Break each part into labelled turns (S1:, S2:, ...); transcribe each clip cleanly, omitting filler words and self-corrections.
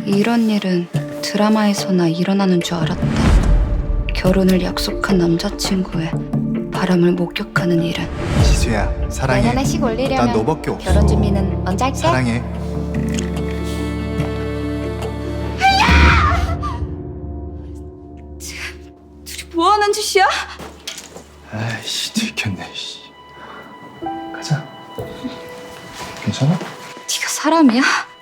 S1: 이런 일은 드라마에서나 일어나는 줄 알았다. 결혼을 약속한 남자친구의 바람을 목격하는 일은.
S2: 지수야, 사랑해.
S1: 내년에 식 올리려면
S2: 난 너밖에 없어.
S1: 결혼 준비는 먼저 할게.
S2: 사랑해.
S1: 둘이 뭐 하는 짓이야?
S2: 아이씨, 들켰네. 씨. 가자. 괜찮아?
S1: 네가 사람이야?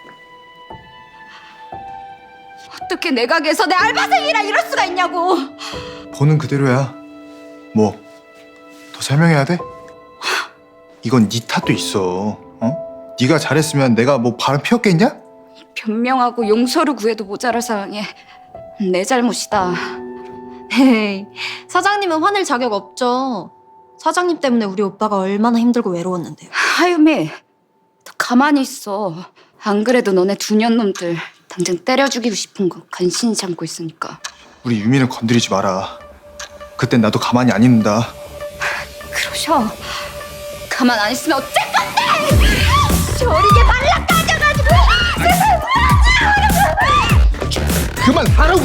S1: 어떻게 내 가게에서 내 알바생이라 이럴 수가 있냐고.
S2: 보는 그대로야. 뭐? 더 설명해야 돼? 이건 네 탓도 있어. 어? 네가 잘했으면 내가 뭐 바람 피웠겠냐?
S1: 변명하고 용서를 구해도 모자랄 상황에 내 잘못이다.
S3: 에이, 사장님은 화낼 자격 없죠. 사장님 때문에 우리 오빠가 얼마나 힘들고 외로웠는데요.
S1: 하유미, 너 가만히 있어. 안 그래도 너네 두년놈들 당장 때려 죽이고 싶은 거 간신히 참고 있으니까.
S2: 우리 유미는 건드리지 마라. 그땐 나도 가만히 안 있는다.
S1: 그러셔. 가만 안 있으면 어쩔 건데! 저리게 말라까져가지고
S2: 그만하라고.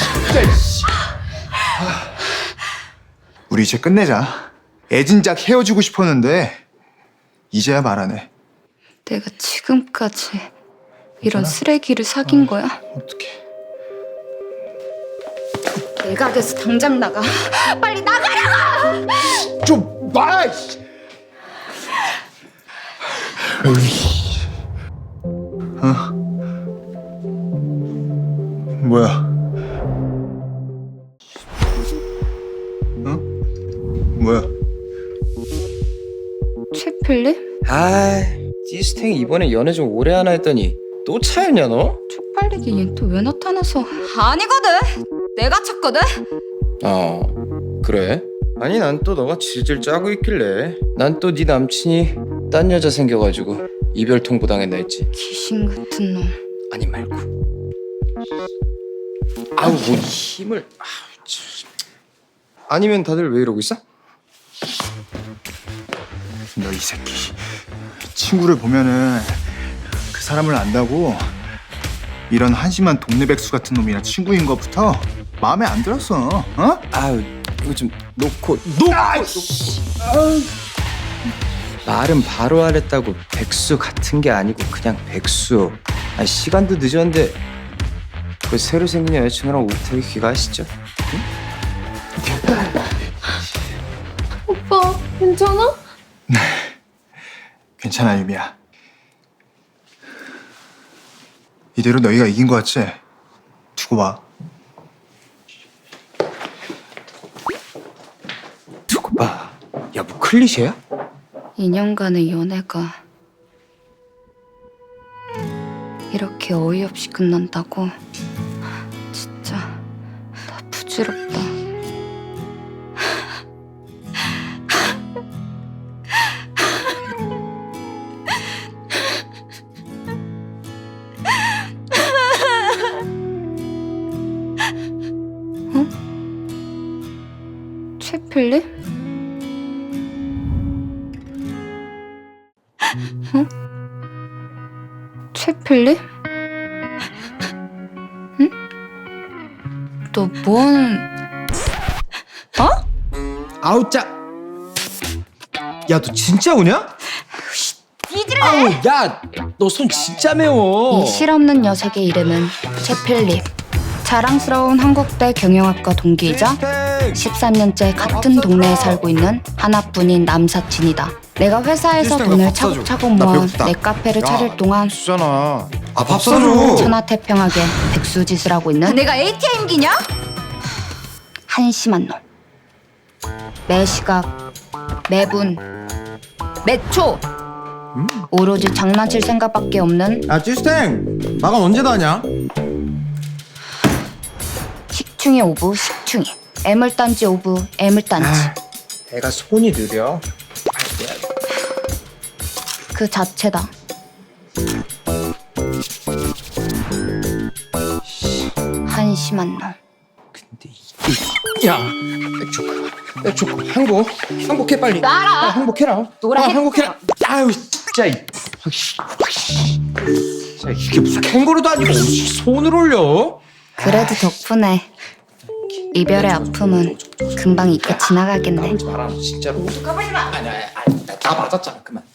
S2: 우리 이제 끝내자. 애진작 헤어지고 싶었는데 이제야 말하네.
S1: 내가 지금까지 이런
S2: 괜찮아?
S1: 쓰레기를 사귄 거야?
S2: 어떡해.
S1: 내 가게에서 당장 나가. 빨리 나가라고!
S2: 좀 봐. 어? 뭐야? 어? 뭐야?
S1: 최필립?
S4: 아, 찌스탱이 이번에 연애 좀 오래 하나 했더니 또 차였냐 너?
S1: 쪽팔리게 얜 또 왜 나타나서. 아니거든! 내가 찾거든?
S4: 그래? 아니 난 또 너가 질질 짜고 있길래 난 또 네 남친이 딴 여자 생겨가지고 이별 통보 당했나 했지.
S1: 귀신 같은 놈.
S4: 아니 말고. 아우 뭐 힘을. 아우, 참. 아니면 다들 왜 이러고 있어?
S2: 너 이 새끼. 친구를 보면은 그 사람을 안다고 이런 한심한 동네 백수 같은 놈이랑 친구인 것부터 마음에 안 들었어. 어?
S4: 아우 이거 좀 놓고. 말은 바로 하랬다고 백수 같은 게 아니고 그냥 백수. 아니 시간도 늦었는데 그 새로 생긴 여자친구랑 오태기 귀가하시죠?
S3: 오빠, 괜찮아?
S2: 괜찮아, 유미야. 이대로 너희가 이긴 거 같지? 두고 봐.
S4: 두고 봐. 야 뭐 클리셰야?
S1: 2년간의 연애가 이렇게 어이없이 끝난다고? 진짜 나 부질없다. 어? 최필립? 어? 최필립? 응? 너 뭐하는...
S4: 아우 짜. 야 너 진짜 우냐?
S1: 뒤질래!
S4: 아우 야 너 손 진짜 매워.
S1: 이 실없는 녀석의 이름은 최필립. 자랑스러운 한국대 경영학과 동기이자 13년째 같은 동네에 살고 있는 하나뿐인 남사친이다. 내가 회사에서
S2: 일단
S1: 돈을
S2: 밥 사줘.
S1: 차곡차곡
S2: 나
S1: 모아
S2: 배고프다.
S1: 내 카페를 차릴 동안
S2: 주잖아. 아, 밥 사줘.
S1: 천하태평하게 백수짓을 하고 있는 내가 ATM기냐? 한심한 놈. 매 시각, 매분, 매초 오로지 장난칠 생각밖에 없는
S4: 야 찌스탱 마감 언제 다 하냐?
S1: 식충이 오브 식충이, 애물단지 오브 애물단지.
S4: 애가 손이 느려.
S1: 그 자체다. 한심한 놈.
S4: 근데 이게 야 조카 행복해 빨리.
S1: 나라.
S4: 행복해라.
S1: 노라 해.
S4: 행복해라. 아유 진짜. 야, 이게 무슨 캥거루도 아니고 손을 올려?
S1: 그래도 덕분에 이별의 아픔은 금방 잊고 지나가겠네.
S4: 까불지 마라 진짜로. 까불지 마. 아니, 다 맞았잖아. 그만.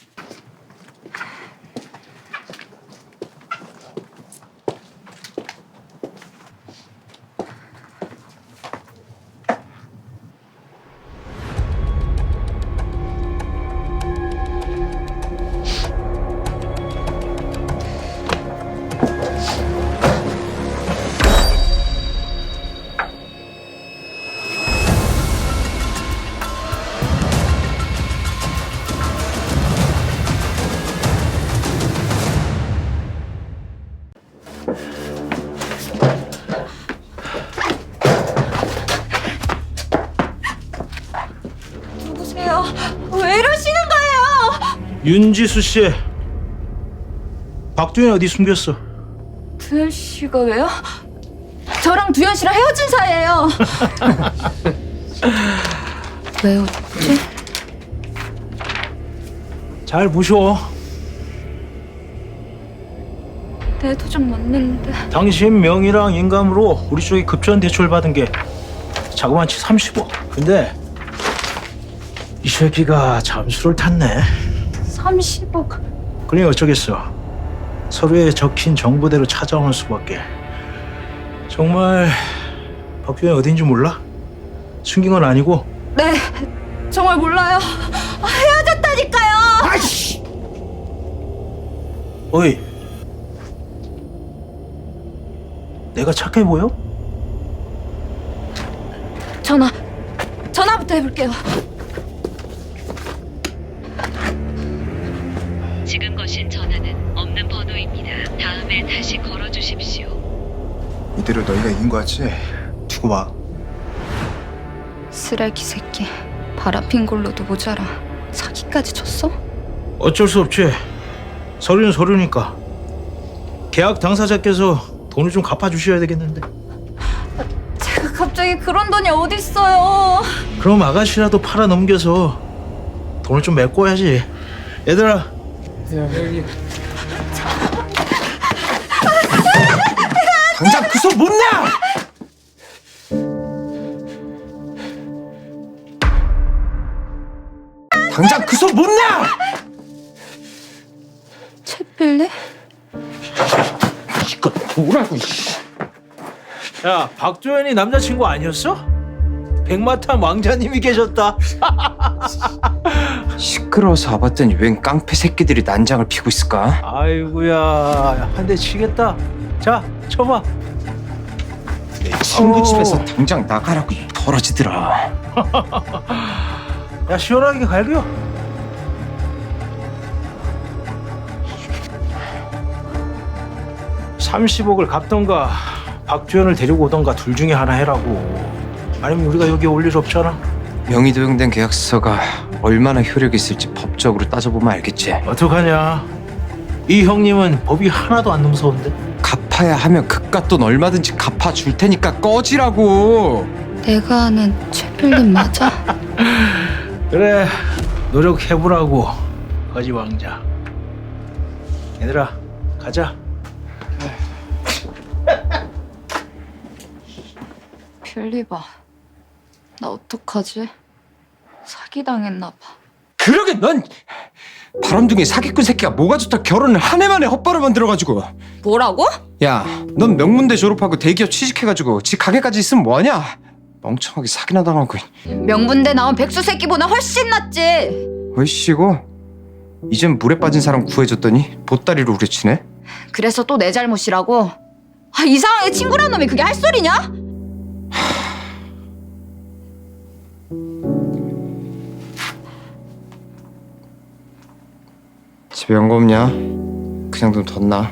S3: 누구세요? 왜 이러시는 거예요?
S5: 윤지수 씨, 박두현 어디 숨겼어?
S3: 두현 씨가 왜요? 저랑 두현 씨랑 헤어진 사이예요.
S1: 왜 웃지?
S5: 잘 보셔.
S3: 내 도장 맞는데.
S5: 당신 명의랑 인감으로 우리 쪽에 급전 대출 받은 게 자그마치 30억. 근데 이 새끼가 잠수를 탔네.
S3: 30억.
S5: 그러니 어쩌겠어. 서류에 적힌 정보대로 찾아오는 수밖에. 정말 박두현 어딘지 몰라? 숨긴 건 아니고.
S3: 네, 정말 몰라요. 헤어졌다니까요.
S5: 아이씨! 어이, 내가 착해 보여?
S3: 전화부터 해볼게요.
S6: 지금 거신 전화는 없는 번호입니다. 다음에 다시 걸어주십시오.
S2: 이대로 너희가 이긴 거 같지? 두고 봐.
S1: 쓰레기 새끼. 바람핀 걸로도 모자라. 사기까지 쳤어?
S5: 어쩔 수 없지. 서류는 서류니까. 계약 당사자께서 돈을 좀 갚아주셔야 되겠는데.
S3: 제가 갑자기 그런 돈이 어딨어요.
S5: 그럼 아가씨라도 팔아 넘겨서 돈을 좀 메꿔야지. 얘들아,
S4: 당장 그 손 못 내! 당장 그 손 못 내!
S1: 채필리?
S4: 이거 뭐라고? 이씨.
S5: 야, 박도현이 남자친구 아니었어? 백마탄 왕자님이 계셨다.
S4: 시끄러워서 와봤더니 웬 깡패 새끼들이 난장을 피고 있을까?
S5: 아이고야, 한 대 치겠다. 자, 쳐봐.
S4: 내 친구 집에서 당장 나가라고 이 더러지들아.
S5: 야, 시원하게 갈겨. $30억을 갚던가 박두현을 데리고 오던가 둘 중에 하나 해라고. 아니면 우리가 여기 올 일 없잖아.
S4: 명의 도용된 계약서가 얼마나 효력이 있을지 법적으로 따져보면 알겠지.
S5: 어떡하냐. 이 형님은 법이 하나도 안 무서운데.
S4: 갚아야 하면 그깟 돈 얼마든지 갚아줄 테니까 꺼지라고.
S1: 내가 아는 채필리 맞아?
S5: 그래, 노력해보라고. 거지 왕자. 얘들아, 가자.
S1: 필리바. 나 어떡하지? 사기당했나 봐.
S4: 그러게 넌 바람둥이 사기꾼 새끼가 뭐가 좋다 결혼을 한 해 만에 헛바로 만들어가지고.
S3: 뭐라고?
S4: 야, 넌 명문대 졸업하고 대기업 취직해가지고 지 가게까지 있으면 뭐하냐? 멍청하게 사기나 당하고.
S3: 명문대 나온 백수 새끼보다 훨씬 낫지.
S4: 어이씨고 이젠 물에 빠진 사람 구해줬더니 보따리로 우려치네.
S3: 그래서 또 내 잘못이라고? 이상하게 친구란 놈이 그게 할 소리냐?
S4: 집에 연고 없냐? 그냥 좀 뒀나?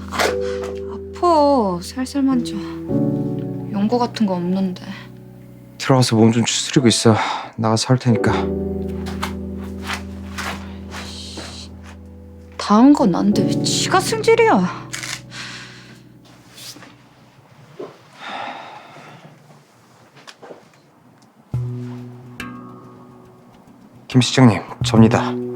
S1: 아파. 살살 만져. 연고 같은 거 없는데.
S4: 들어가서 몸 좀 추스리고 있어. 나가서 할 테니까.
S1: 다한 건 난데 왜 지가 승질이야?
S4: 김 시장님, 접니다.